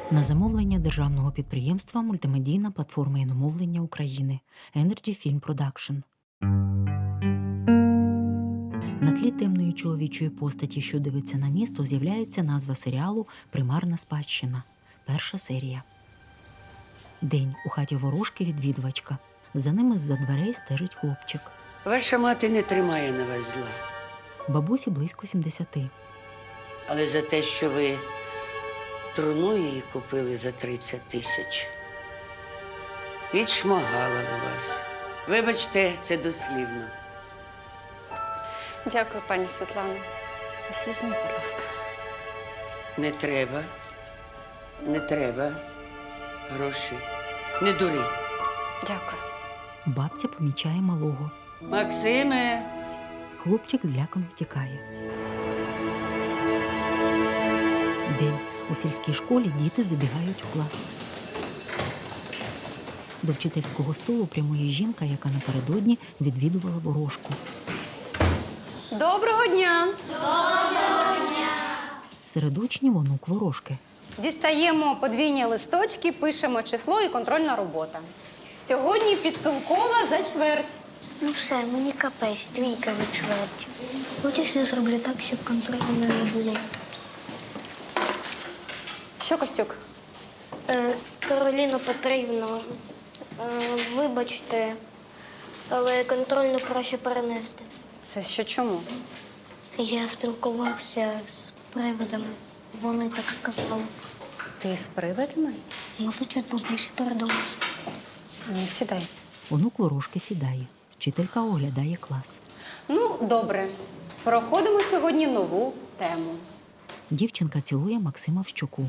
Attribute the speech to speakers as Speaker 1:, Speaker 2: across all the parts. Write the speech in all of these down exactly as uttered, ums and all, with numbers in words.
Speaker 1: На замовлення державного підприємства «Мультимедійна платформа іномовлення України» Energy Film Production. На тлі темної чоловічої постаті, що дивиться на місто, з'являється назва серіалу «Примарна спадщина». Перша серія. День. У хаті ворожки відвідувачка. За ними з-за дверей стежить хлопчик.
Speaker 2: Ваша мати не тримає на вас зла.
Speaker 1: Бабусі близько сімдесяти.
Speaker 2: Але за те, що ви труну її купили за тридцять тисяч, відшмагала на вас. Вибачте, це дослівно.
Speaker 3: Дякую, пані Світлано. Ось візьміть, будь ласка.
Speaker 2: Не треба. Не треба. Гроші. Не дури.
Speaker 3: Дякую.
Speaker 1: Бабця помічає малого.
Speaker 2: Максиме!
Speaker 1: Хлопчик злякано втікає. День. У сільській школі діти забігають у клас. До вчительського столу прямує жінка, яка напередодні відвідувала ворожку.
Speaker 3: Доброго дня!
Speaker 1: Серед учнів онук ворожки.
Speaker 3: Дістаємо подвійні листочки, пишемо число і контрольна робота. Сьогодні підсумкова за чверть.
Speaker 4: Ну все, мені капець, двійка від чверті. Хочеш, я зроблю так, щоб контролю не було.
Speaker 3: Що, Костюк?
Speaker 4: Е, Кароліно Петрівно, е, вибачте, але контрольну краще перенести.
Speaker 3: Це що чому?
Speaker 4: Я спілкувався з привидами. Вони так сказали.
Speaker 3: Ти з привидами?
Speaker 4: Мабуть, від бабусі передалось.
Speaker 3: Ну, сідай.
Speaker 1: Онук ворожки сідає. Вчителька оглядає клас.
Speaker 3: Ну, добре. Проходимо сьогодні нову тему.
Speaker 1: Дівчинка цілує Максима в щоку.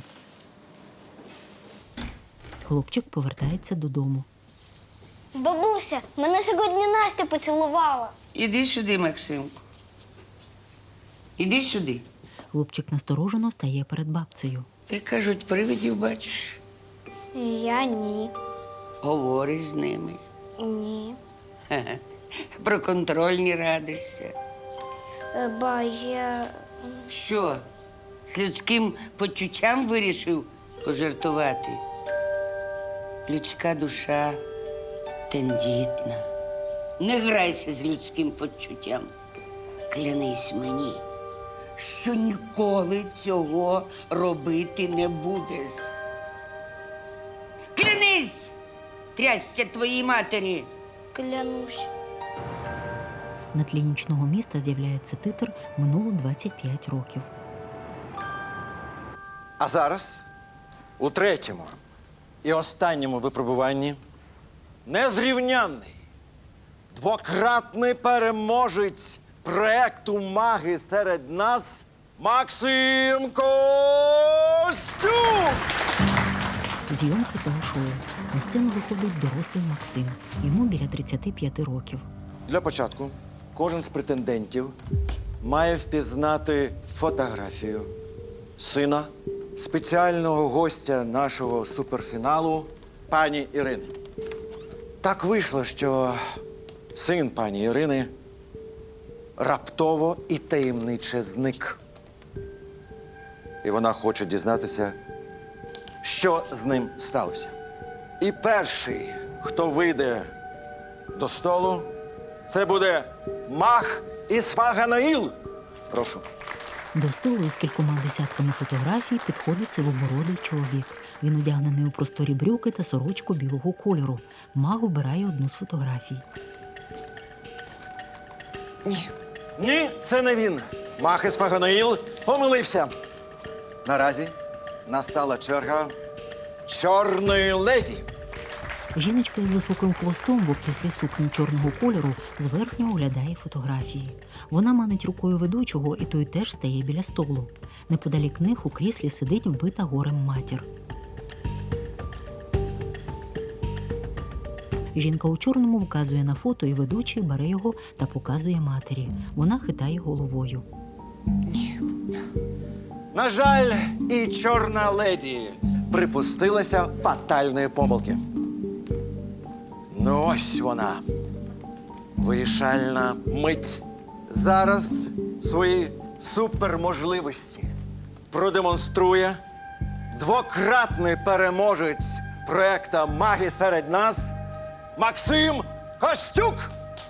Speaker 1: Хлопчик повертається додому.
Speaker 4: Бабуся, мене сьогодні Настя поцілувала.
Speaker 2: Іди сюди, Максимку. Іди сюди.
Speaker 1: Хлопчик насторожено стає перед бабцею.
Speaker 2: Ти, кажуть, привидів бачиш.
Speaker 4: Я ні.
Speaker 2: Говориш з ними.
Speaker 4: Ні.
Speaker 2: Ха-ха. Про контрольні радишся.
Speaker 4: Е, Ба, я...
Speaker 2: Що, з людським почуттям вирішив пожартувати? Людська душа тендітна. Не грайся з людським почуттям. Клянись мені, що ніколи цього робити не будеш. Клянись! Трясся твоїй матері!
Speaker 4: Клянусь.
Speaker 1: На тлі нічного міста з'являється титр «Минуло двадцять п'ять років».
Speaker 5: А зараз, у третьому і останньому випробуванні, незрівнянний, двократний переможець проекту «Маги серед нас» Максим Костюк!
Speaker 1: Зйомки телешоу. На сцену виходить дорослий Максим. Йому біля тридцяти п'яти років.
Speaker 5: Для початку кожен з претендентів має впізнати фотографію сина спеціального гостя нашого суперфіналу пані Ірини. Так вийшло, що син пані Ірини раптово і таємниче зник. І вона хоче дізнатися, що з ним сталося. І перший, хто вийде до столу, це буде маг Ісфаганаїл. Прошу.
Speaker 1: До столу із кількома десятками фотографій підходить сивобородий чоловік. Він одягнений у просторі брюки та сорочку білого кольору. Маг обирає одну з фотографій.
Speaker 2: Ні.
Speaker 5: Ні, це не він. Маг Ісфаганаїл помилився. Наразі настала черга чорної леді.
Speaker 1: Жіночка із високим хвостом в обтяслій сукні чорного кольору зверхньо оглядає фотографії. Вона манить рукою ведучого, і той теж стає біля столу. Неподалік них у кріслі сидить вбита горем матір. Жінка у чорному вказує на фото, і ведучий бере його та показує матері. Вона хитає головою.
Speaker 5: На жаль, і чорна леді припустилася фатальної помилки. Ну ось вона. Вирішальна мить. Зараз свої суперможливості продемонструє двократний переможець проекта «Маги серед нас» Максим Костюк.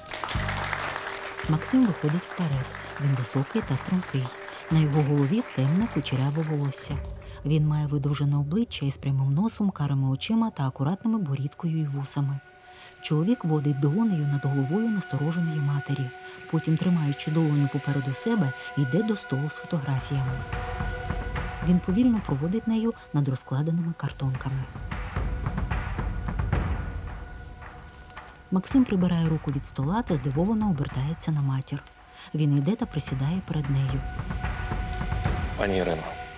Speaker 1: Максим виходить вперед. Він високий та стрункий. На його голові темне кучеряве волосся. Він має видовжене обличчя із прямим носом, карими очима та акуратними борідкою і вусами. Чоловік водить долонею над головою настороженої матері. Потім, тримаючи долоню попереду себе, йде до столу з фотографіями. Він повільно проводить нею над розкладеними картонками. Максим прибирає руку від стола та здивовано обертається на матір. Він йде та присідає перед нею.
Speaker 6: Пані Ірино,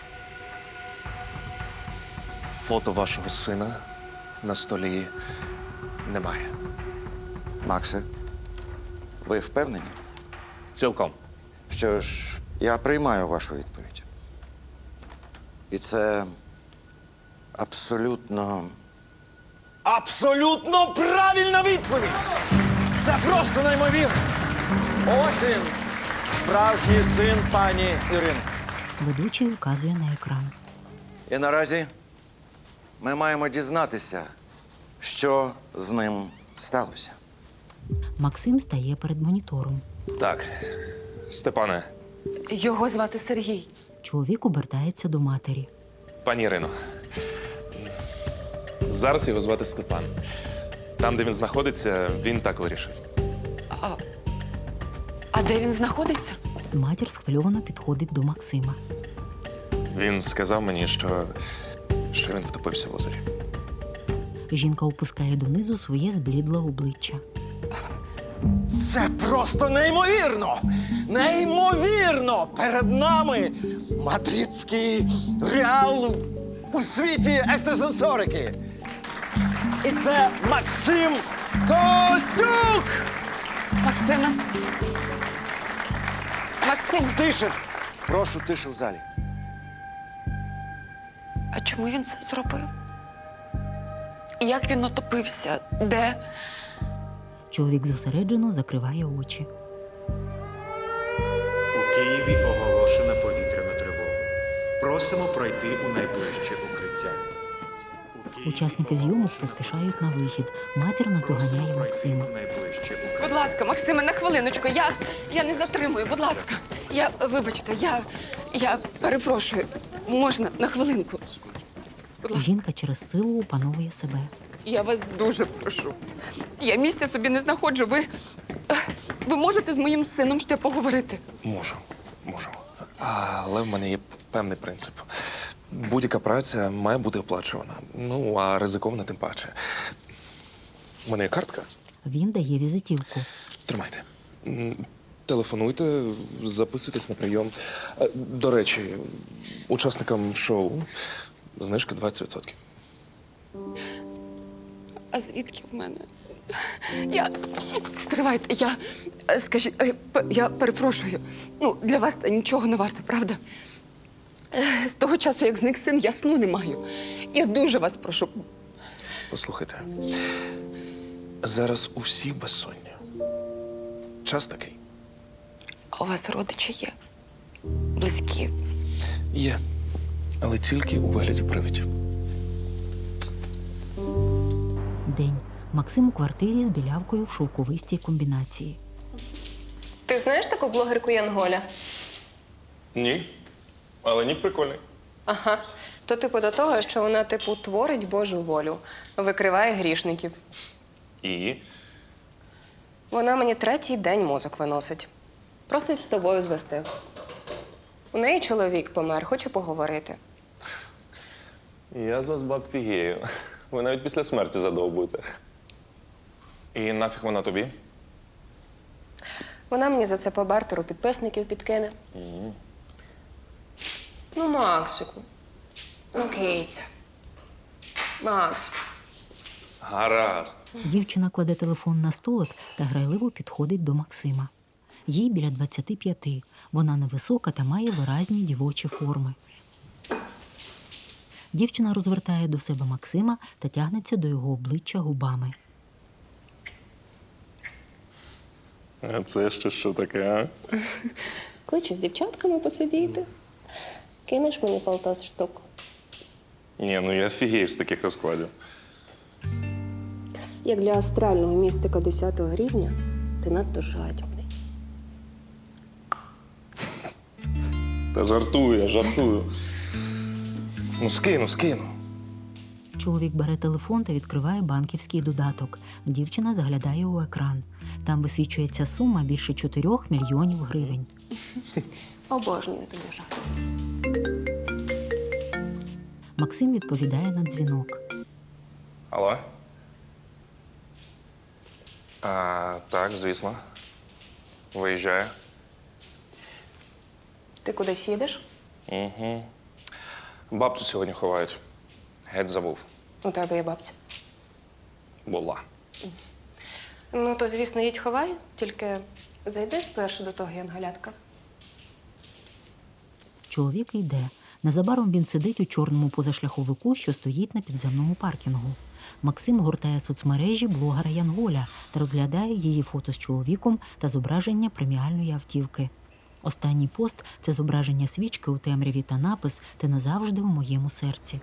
Speaker 6: фото вашого сина на столі немає.
Speaker 5: Максе, ви впевнені?
Speaker 6: Цілком.
Speaker 5: Що ж, я приймаю вашу відповідь. І це абсолютно. Абсолютно правильна відповідь! Це просто неймовірно! Ось він, справжній син пані Ірини.
Speaker 1: Ведучий указує на екран.
Speaker 5: І наразі ми маємо дізнатися, що з ним сталося.
Speaker 1: Максим стає перед монітором.
Speaker 6: Так, Степане,
Speaker 7: Його звати Сергій.
Speaker 1: Чоловік обертається до матері.
Speaker 6: пані Ірино, зараз його звати Степан. Там, де він знаходиться, він так вирішив.
Speaker 7: А де він знаходиться?
Speaker 1: Матір схвильовано підходить до Максима.
Speaker 6: Він сказав мені, що, що він втопився в озері.
Speaker 1: Жінка опускає донизу своє зблідле обличчя.
Speaker 5: Це просто неймовірно! Неймовірно! Перед нами мадридський реал у світі ектосенсорики. І це Максим Костюк!
Speaker 7: Максиме. Максим,
Speaker 5: Тише! Прошу, тише в залі.
Speaker 7: а чому він це зробив? Як він утопився? Де?
Speaker 1: Чоловік зосереджено закриває очі.
Speaker 8: У Києві оголошена повітряна тривога. Просимо пройти у найближче укриття. У Києві
Speaker 1: Учасники зйомок
Speaker 8: оголошена
Speaker 1: поспішають на вихід. Матір
Speaker 8: Просимо
Speaker 1: наздоганяє
Speaker 8: пройти
Speaker 1: Максима.
Speaker 8: у найближче укриття.
Speaker 7: Будь ласка, Максиме, на хвилиночку. Я, я не затримую, будь ласка. Я, вибачте, я, я перепрошую. Можна на хвилинку? Будь ласка.
Speaker 1: Жінка через силу опановує себе.
Speaker 7: Я вас дуже прошу. Я місця собі не знаходжу. Ви, ви можете з моїм сином ще поговорити?
Speaker 6: Можу, можу. Але в мене є певний принцип. Будь-яка праця має бути оплачувана. Ну, а ризикована тим паче. У мене є картка.
Speaker 1: Він дає візитівку.
Speaker 6: Тримайте. М, Телефонуйте, записуйтесь на прийом. Е, До речі, учасникам шоу знижка двадцять відсотків.
Speaker 7: А звідки в мене? Я. Стривайте, я. е, Скажіть, е, п- я перепрошую. Ну, для вас це нічого не варто, правда? Е, З того часу, як зник син, я сну не маю. Я дуже вас прошу.
Speaker 6: Послухайте, зараз у всіх безсоння. Час такий.
Speaker 7: А у вас родичі є? Близькі.
Speaker 6: Є, але тільки у вигляді привидів.
Speaker 1: День. Максим у квартирі з білявкою в шовковистій комбінації.
Speaker 9: Ти знаєш таку блогерку Янголя?
Speaker 6: Ні, але ні, прикольний.
Speaker 9: Ага. То типу до того, що вона типу творить Божу волю, викриває грішників.
Speaker 6: І?
Speaker 9: Вона мені третій день мозок виносить. Просить з тобою звести. У неї чоловік помер, хочу поговорити.
Speaker 6: Я з вас баб фігею. Ви навіть після смерті задовбуєте. І нафіг вона тобі?
Speaker 9: Вона мені за це по бартеру підписників підкине. Ну, Максику. Ну, Кейця. Макс.
Speaker 6: Гаразд.
Speaker 1: Дівчина кладе телефон на столик та грайливо підходить до Максима. Їй біля двадцяти п'яти. Вона невисока та має виразні дівочі форми. Дівчина розвертає до себе Максима та тягнеться до його обличчя губами.
Speaker 6: А це ще що таке, а?
Speaker 9: Хочу з дівчатками посидіти. Кинеш мені полтос штук.
Speaker 6: Ні, ну я фігію з таких розкладів.
Speaker 9: Як для астрального містика десятого рівня, ти надто жадібний.
Speaker 6: Та жартую, я жартую. Ну, скину, скину.
Speaker 1: Чоловік бере телефон та відкриває банківський додаток. Дівчина заглядає у екран. Там висвічується сума більше чотирьох мільйонів гривень.
Speaker 9: Обожнюю тобі жарт.
Speaker 1: Максим відповідає на дзвінок.
Speaker 6: Алло? А, так, звісно. Виїжджаю.
Speaker 9: Ти кудись їдеш?
Speaker 6: Угу. Бабцю сьогодні ховають. Геть забув.
Speaker 9: У тебе є бабця.
Speaker 6: Була.
Speaker 9: Ну, то, звісно, їдь ховай, тільки зайди спершу до того янголятка.
Speaker 1: Чоловік йде. Незабаром він сидить у чорному позашляховику, що стоїть на підземному паркінгу. Максим гортає соцмережі блогера Янголя та розглядає її фото з чоловіком та зображення преміальної автівки. Останній пост – це зображення свічки у темряві та напис «Ти назавжди в моєму серці».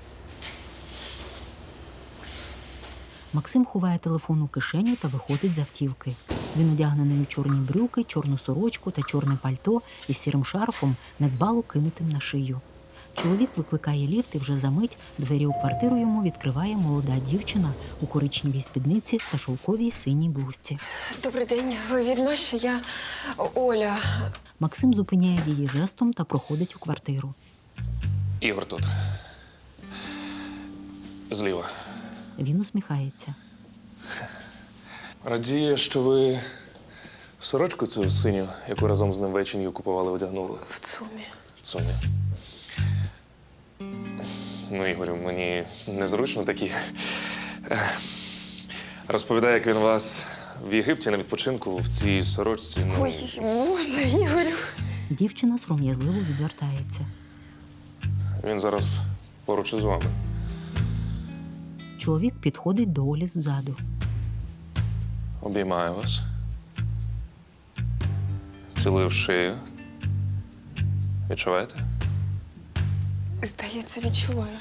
Speaker 1: Максим ховає телефон у кишеню та виходить з автівки. Він одягнений у чорні брюки, чорну сорочку та чорне пальто із сірим шарфом, недбало кинутим на шию. Чоловік викликає ліфт і вже за мить двері у квартиру йому відкриває молода дівчина у коричневій спідниці та шовковій синій блузці.
Speaker 7: Добрий день, ви від Маші? Я Оля.
Speaker 1: Максим зупиняє її жестом та проходить у квартиру.
Speaker 6: Ігор тут. Зліва.
Speaker 1: Він усміхається.
Speaker 6: Радіє, що ви сорочку цю синю, яку разом з ним вечінню купували, одягнули.
Speaker 7: В ЦУМі.
Speaker 6: В цумі. Ну, Ігорю, мені незручно такі. Е, Розповідає, як він вас в Єгипті на відпочинку в цій сорочці. Ну,
Speaker 7: Ой, Боже, Ігорю.
Speaker 1: Дівчина сором'язливо відвертається.
Speaker 6: він зараз поруч із вами.
Speaker 1: Чоловік підходить до Олі ззаду.
Speaker 6: Обіймаю вас. Цілую в шию. Відчуваєте?
Speaker 7: Здається, відчуваю.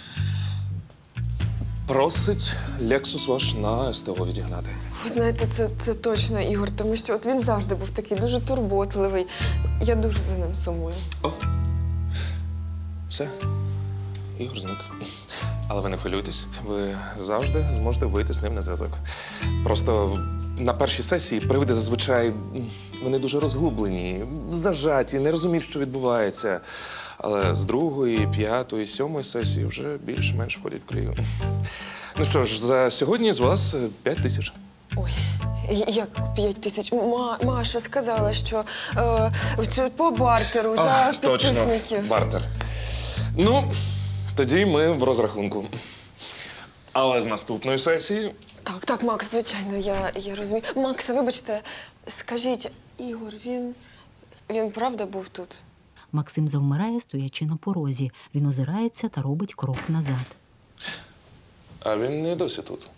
Speaker 6: Просить Лексус ваш на СТО відігнати.
Speaker 7: Ви знаєте, це, це точно Ігор, тому що от він завжди був такий дуже турботливий. Я дуже за ним сумую.
Speaker 6: О! Все. Ігор зник. Але ви не хвилюйтесь, ви завжди зможете вийти з ним на зв'язок. Просто на першій сесії привиди зазвичай м, вони дуже розгублені, зажаті, не розуміють, що відбувається. Але з другої, п'ятої, сьомої сесії вже більш-менш входять в колію. Ну що ж, за сьогодні з вас п'ять тисяч.
Speaker 7: Ой, як п'ять тисяч? Ма, Маша сказала, що е, чи по бартеру за підписників.
Speaker 6: Точно, бартер. Ну, тоді ми в розрахунку. Але з наступної сесії
Speaker 7: Так, так, Макс, звичайно, я, я розумію. Макс, вибачте, скажіть, Ігор, він, він правда був тут?
Speaker 1: Максим завмирає, стоячи на порозі. Він озирається та робить крок назад.
Speaker 6: А він не досі тут.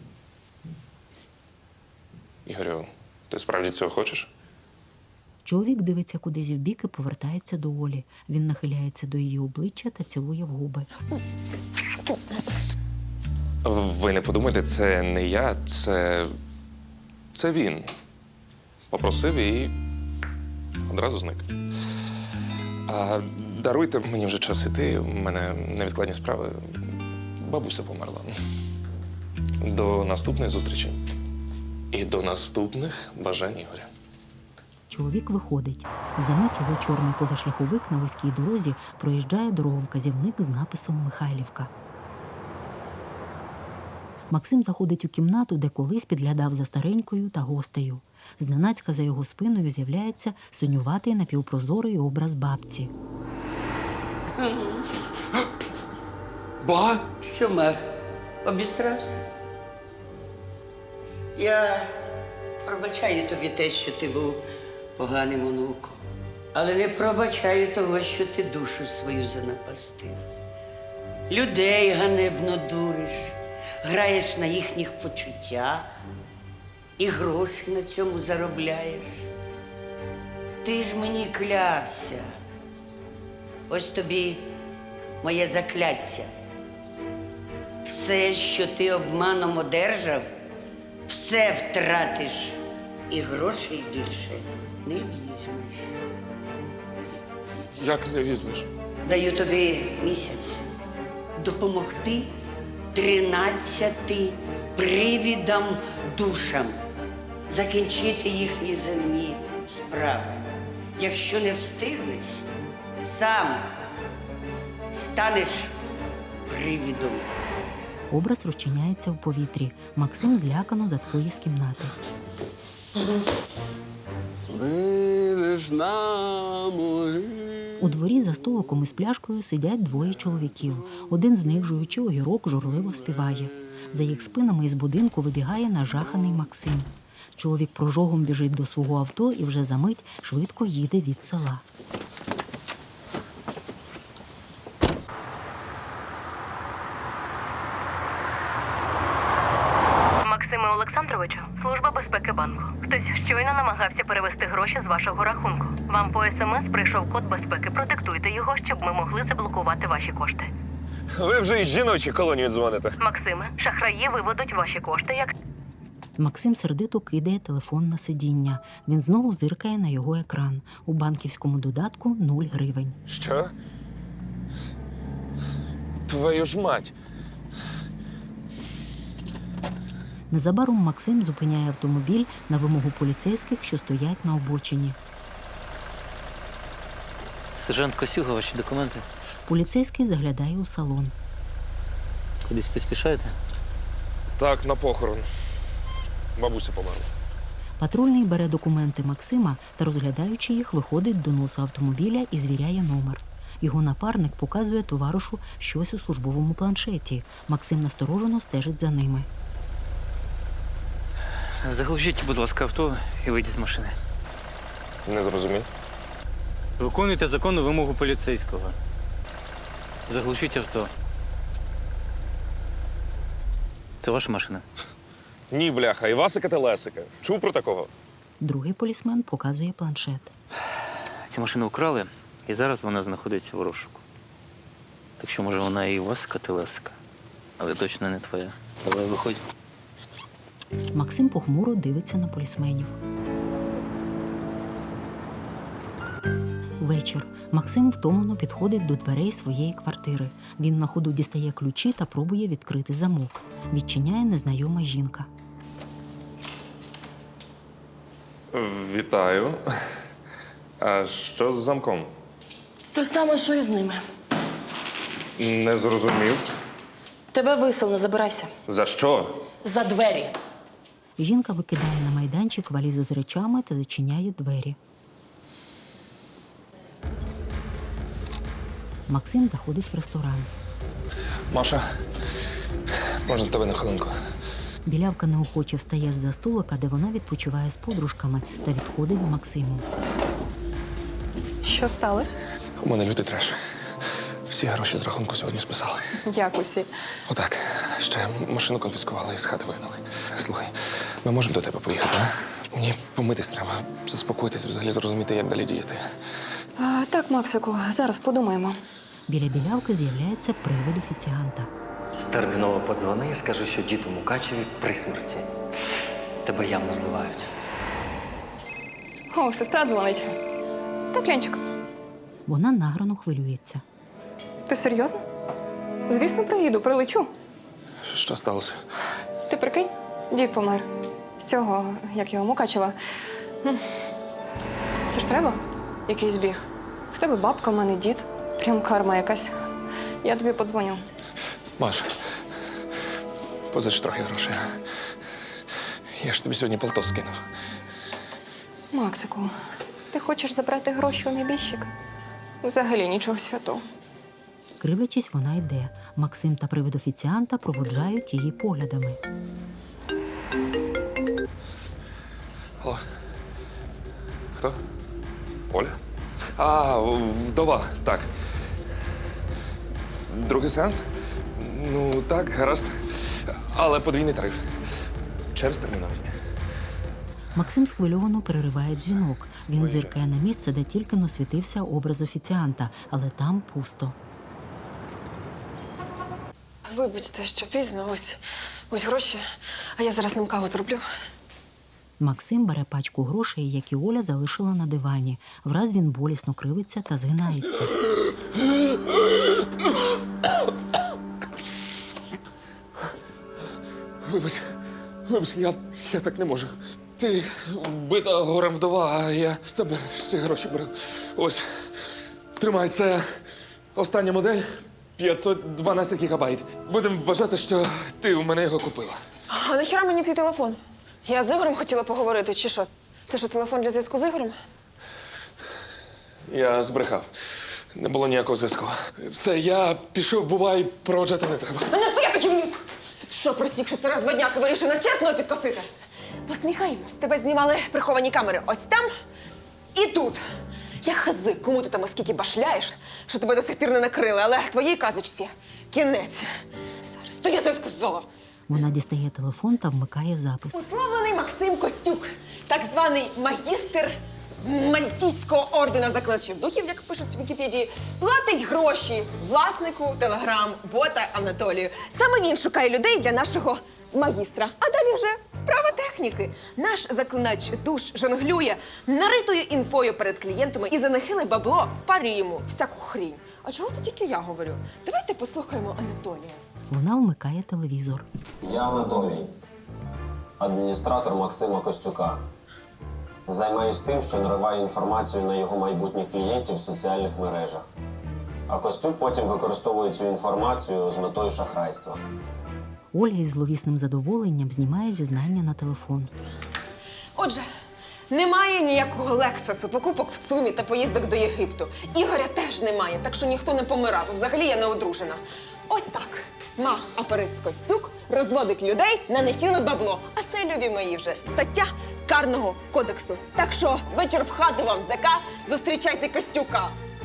Speaker 6: Ігорю, ти справді цього хочеш?
Speaker 1: Чоловік дивиться кудись вбік і повертається до Олі. Він нахиляється до її обличчя та цілує в губи.
Speaker 6: Ви не подумайте, це не я, це. Це він. Попросив і одразу зник. А даруйте, мені вже час іти, у мене невідкладні справи. Бабуся померла. До наступної зустрічі. І до наступних бажань Ігоря.
Speaker 1: Чоловік виходить. Замить його чорний позашляховик на вузькій дорозі проїжджає дороговказівник з написом «Михайлівка». Максим заходить у кімнату, де колись підглядав за старенькою та гостею. Зненацька за його спиною з'являється синюватий напівпрозорий образ бабці.
Speaker 6: Ба!
Speaker 2: Що, Мах, обісрався? Я пробачаю тобі те, що ти був поганим онуком. Але не пробачаю того, що ти душу свою занапастив. Людей ганебно дуриш, граєш на їхніх почуттях і гроші на цьому заробляєш. Ти ж мені клявся. Ось тобі моє закляття. все, що ти обманом одержав, все втратиш і грошей більше не візьмеш.
Speaker 6: Як не візьмеш?
Speaker 2: Даю тобі місяць допомогти тринадцяти привідам душам закінчити їхні земні справи. Якщо не встигнеш, сам станеш привідом.
Speaker 1: Образ розчиняється в повітрі. Максим злякано заткує з кімнати.
Speaker 5: Вийдеш на могилу.
Speaker 1: У дворі за столиком із пляшкою сидять двоє чоловіків. Один з них, жуючи огірок, журливо співає. За їх спинами із будинку вибігає нажаханий Максим. Чоловік прожогом біжить до свого авто і вже за мить швидко їде від села.
Speaker 10: Максиме Олександровичу, служба безпеки банку. Хтось щойно намагався перевести гроші з вашого рахунку. Вам по смс прийшов код безпеки. Продиктуйте його, щоб ми могли заблокувати ваші кошти.
Speaker 6: Ви вже із жіночої колонії дзвоните.
Speaker 10: Максиме, шахраї виведуть ваші кошти, як
Speaker 1: Максим сердито кидає телефон на сидіння. Він знову зиркає на його екран. У банківському додатку нуль гривень.
Speaker 6: Що? Твою ж мать!
Speaker 1: Незабаром Максим зупиняє автомобіль на вимогу поліцейських, що стоять на обочині.
Speaker 11: Сержант Косюга, ваші документи.
Speaker 1: Поліцейський заглядає у салон.
Speaker 11: Кудись поспішаєте?
Speaker 6: Так, на похорон. Бабуся померла.
Speaker 1: Патрульний бере документи Максима та, розглядаючи їх, виходить до носа автомобіля і звіряє номер. Його напарник показує товаришу щось у службовому планшеті. Максим насторожено стежить за ними.
Speaker 11: Заглушіть, будь ласка, авто і вийдіть з машини.
Speaker 6: Не зрозумів.
Speaker 11: Виконуйте законну вимогу поліцейського. Заглушіть авто. Це ваша машина?
Speaker 6: Ні, бляха, Івасика та Лесика. Чув про такого?
Speaker 1: Другий полісмен показує планшет.
Speaker 11: Цю машину вкрали, і зараз вона знаходиться в розшуку. Так що, може, вона і Івасика та Лесика, але точно не твоя. Давай, виходь.
Speaker 1: Максим похмуро дивиться на полісменів. Вечір. Максим втомлено підходить до дверей своєї квартири. Він на ходу дістає ключі та пробує відкрити замок. Відчиняє незнайома жінка.
Speaker 6: Вітаю. А що з замком?
Speaker 12: Те саме, що і з ними.
Speaker 6: Не зрозумів.
Speaker 12: Тебе виселено, забирайся.
Speaker 6: За що?
Speaker 12: За двері.
Speaker 1: Жінка викидає на майданчик валізи з речами та зачиняє двері. Максим заходить в ресторан.
Speaker 6: Маша, можна тебе на хвилинку?
Speaker 1: Білявка неохоче встає з-за столика, де вона відпочиває з подружками, та відходить з Максимом.
Speaker 3: Що сталося?
Speaker 6: У мене лютий треш. Всі гроші з рахунку сьогодні списали.
Speaker 3: Як усі?
Speaker 6: Отак. Ще машину конфіскували і з хати вигнали. Слухай, ми можемо до тебе поїхати, а? Мені помитись треба, заспокоїтись, взагалі зрозуміти, як далі діяти.
Speaker 7: А, так, Максику, зараз подумаємо.
Speaker 1: Біля білявки з'являється привид офіціанта.
Speaker 13: Терміново подзвони і скажи, що дід у Мукачеві при смерті. Тебе явно зливають.
Speaker 7: О, сестра дзвонить. Так, Ленчик,
Speaker 1: Вона награно хвилюється.
Speaker 7: ти серйозно? Звісно, приїду, прилечу.
Speaker 6: Що сталося?
Speaker 7: Ти прикинь, дід помер. З цього, як його, Мукачева. М. Це ж треба? Якийсь збіг. В тебе бабка, в мене дід. Прям карма якась. Я тобі подзвоню.
Speaker 6: Маш, позич трохи грошей. Я ж тобі сьогодні полтос скинув.
Speaker 7: Максику, ти хочеш забрати гроші у небіжчика? Взагалі нічого святого.
Speaker 1: Кривлячись, вона йде. Максим та привид офіціанта проводжають її поглядами.
Speaker 6: Алло. Хто? Оля? А, вдова, так. Другий сеанс? Ну, так, гаразд. Але подвійний тариф. Через терміновість.
Speaker 1: Максим схвильовано перериває дзвінок. Він зиркає на місце, де тільки но світився образ офіціанта, але там пусто.
Speaker 7: Вибачте, що пізно, ось, ось гроші, а я зараз ним каву зроблю.
Speaker 1: Максим бере пачку грошей, які Оля залишила на дивані. Враз він болісно кривиться та згинається.
Speaker 6: Вибач, вибач, я, я так не можу. Ти вбита горем вдова, а я в тебе ці гроші беру. Ось, тримай, це остання модель, п'ятсот дванадцять гігабайт. Будемо вважати, що ти у мене його купила.
Speaker 7: А нахіра мені твій телефон? Я з Ігорем хотіла поговорити, чи що? Це що, телефон для зв'язку з Ігорем?
Speaker 6: Я збрехав. Не було ніякого зв'язку. Все, я пішов, бувай, проводжати не треба.
Speaker 7: А не стояти ківнюк! Що, простік, що це розводняк і вирішив на чесного підкосити? Посміхаємось, тебе знімали приховані камери ось там і тут. Я хази, кому ти там оскільки башляєш, що тебе до сих пір не накрили, але твоїй казочці кінець. Зараз, то я тобі сказала.
Speaker 1: Вона дістає телефон та вмикає запис.
Speaker 7: Уславлений Максим Костюк, так званий магістр Мальтійського ордена закладачів духів, як пишуть в Вікіпедії, платить гроші власнику телеграм-бота Анатолію. Саме він шукає людей для нашого магістра. А далі вже справа техніки. Наш заклинач душ жонглює наритою інфою перед клієнтами і за нехиле бабло впарює йому всяку хрінь. А чого це тільки я говорю? Давайте послухаємо Анатолія.
Speaker 1: Вона вмикає телевізор.
Speaker 14: Я Анатолій, адміністратор Максима Костюка. Займаюсь тим, що нариваю інформацію на його майбутніх клієнтів в соціальних мережах. А Костюк потім використовує цю інформацію з метою шахрайства.
Speaker 1: Оля із зловісним задоволенням знімає зізнання на телефон.
Speaker 7: Отже, немає ніякого лексусу, покупок в ЦУМі та поїздок до Єгипту. Ігоря теж немає, так що ніхто не помирав. Взагалі я не одружена. Ось так. Мах аферист Костюк розводить людей на нехиле бабло. А це, любі мої, вже стаття Карного кодексу. Так що вечір в хату вам, зека, зустрічайте Костюка.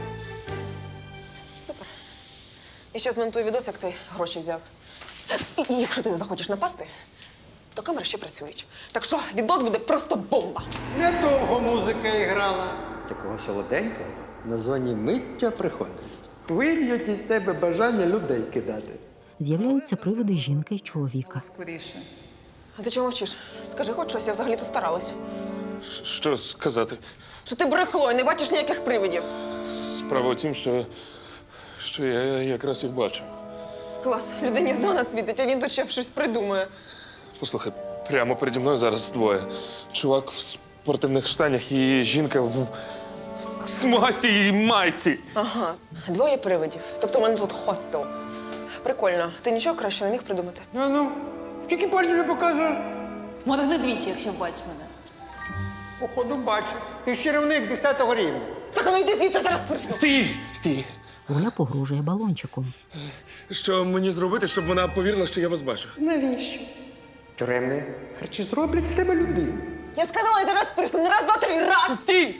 Speaker 7: Супер. І ще змонтую відос, як ти гроші взяв. І, і якщо ти не захочеш напасти, то камери ще працюють. Так що відос буде просто бомба.
Speaker 15: Недовго музика іграла. Такого солоденького на зоні миття приходить. Хвилюють із тебе бажання людей кидати.
Speaker 1: З'являються привиди жінки й чоловіка.
Speaker 7: Скоріше. А ти чого мовчиш? Скажи хоч щось, я взагалі-то старалась.
Speaker 6: Що сказати?
Speaker 7: Що ти брехло і не бачиш ніяких привидів.
Speaker 6: Справа в тім, що, що я якраз їх бачу.
Speaker 7: Клас, людині зона світить, а він тут ще щось придумує.
Speaker 6: Послухай, прямо переді мною зараз двоє. Чувак в спортивних штанях і жінка в смугастій майці.
Speaker 7: Ага, двоє привидів. Тобто у мене тут хостел. Прикольно. Ти нічого краще не міг придумати?
Speaker 15: Ну, ну, скільки пальців я показую?
Speaker 12: Моргни двічі, якщо бачиш мене.
Speaker 15: Походу, бачу. Ти ж чарівник десятого рівня.
Speaker 7: Так, ну йди звідси, зараз присну.
Speaker 6: Стій! Стій!
Speaker 1: Оля погрожує балончиком.
Speaker 6: Що мені зробити, щоб вона повірила, що я вас бачу?
Speaker 15: Навіщо? Тюремні харчі зроблять з тебе людину.
Speaker 7: Я сказала, я зараз присну. Не раз, два, три, раз!
Speaker 6: Стій!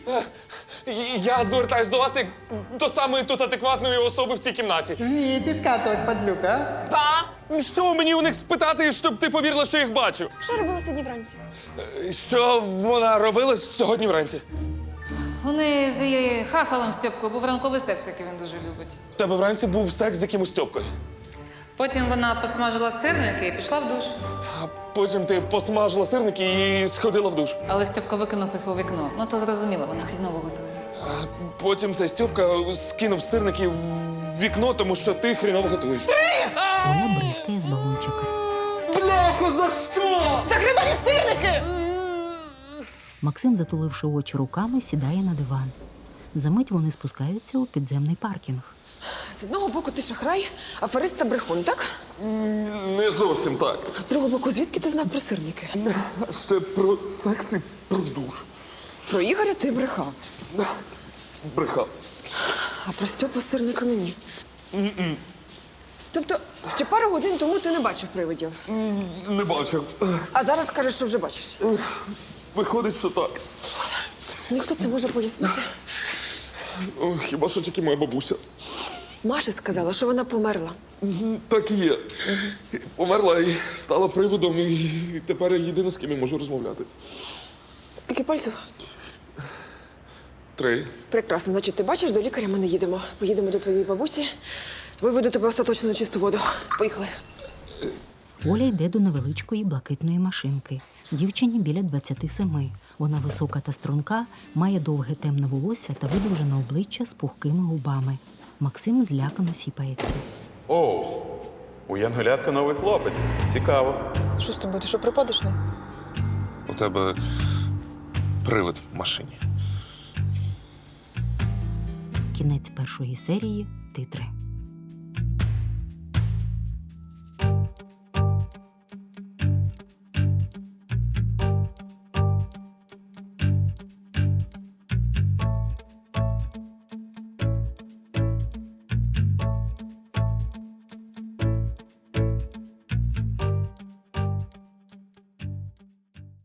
Speaker 6: Я звертаюсь до вас як до самої тут адекватної особи в цій кімнаті.
Speaker 15: Ні, підкатувати падлюка, а?
Speaker 7: Та!
Speaker 6: Що мені у них спитати, щоб ти повірила, що їх бачу?
Speaker 7: Що робила сьогодні вранці?
Speaker 6: Що вона робила сьогодні вранці?
Speaker 16: Вони з її хахалом Стьопкою був ранковий секс, який він дуже любить.
Speaker 6: У тебе вранці був секс з якимось Стьопкою.
Speaker 16: Потім вона посмажила сирники і пішла в душ.
Speaker 6: А потім ти посмажила сирники і сходила в душ.
Speaker 16: Але Стьопка викинув їх у вікно. Ну, то зрозуміло, вона хріново готує.
Speaker 6: А потім цей Стьопка скинув сирники в вікно, тому що ти хріново готуєш.
Speaker 1: Оля бризкає з балончика.
Speaker 6: Бляху, за що?
Speaker 7: За хрінові сирники!
Speaker 1: Максим, затуливши очі руками, сідає на диван. Замить вони спускаються у підземний паркінг.
Speaker 7: З одного боку ти шахрай, аферист та брехун, так?
Speaker 6: Не зовсім так.
Speaker 7: А з другого боку, звідки ти знав про сирники?
Speaker 6: Ще про секс і про душ.
Speaker 7: Про Ігоря ти брехав.
Speaker 6: Брехав.
Speaker 7: А про Стьопу з сирниками ні. Тобто, ще пару годин тому ти не бачив привидів.
Speaker 6: Не бачив.
Speaker 7: А зараз кажеш, що вже бачиш.
Speaker 6: Виходить, що так.
Speaker 7: Ну, і хто це може пояснити?
Speaker 6: О, хіба що тільки моя бабуся.
Speaker 7: Маша сказала, що вона померла.
Speaker 6: Так і є. Померла і стала приводом, і тепер я єдина, з ким я можу розмовляти.
Speaker 7: Скільки пальців?
Speaker 6: Три.
Speaker 7: Прекрасно. Значить, ти бачиш, до лікаря ми не їдемо. Поїдемо до твоєї бабусі. Виведу тебе остаточно на чисту воду. Поїхали.
Speaker 1: Оля йде до невеличкої блакитної машинки. Дівчині біля двадцяти семи. Вона висока та струнка, має довге темне волосся та видовжене обличчя з пухкими губами. Максим злякано сіпається.
Speaker 17: Оу, у Янголятка новий хлопець. Цікаво.
Speaker 7: Що з тобою? Ти що, припадочний?
Speaker 6: У тебе привид в машині.
Speaker 1: Кінець першої серії. Титри.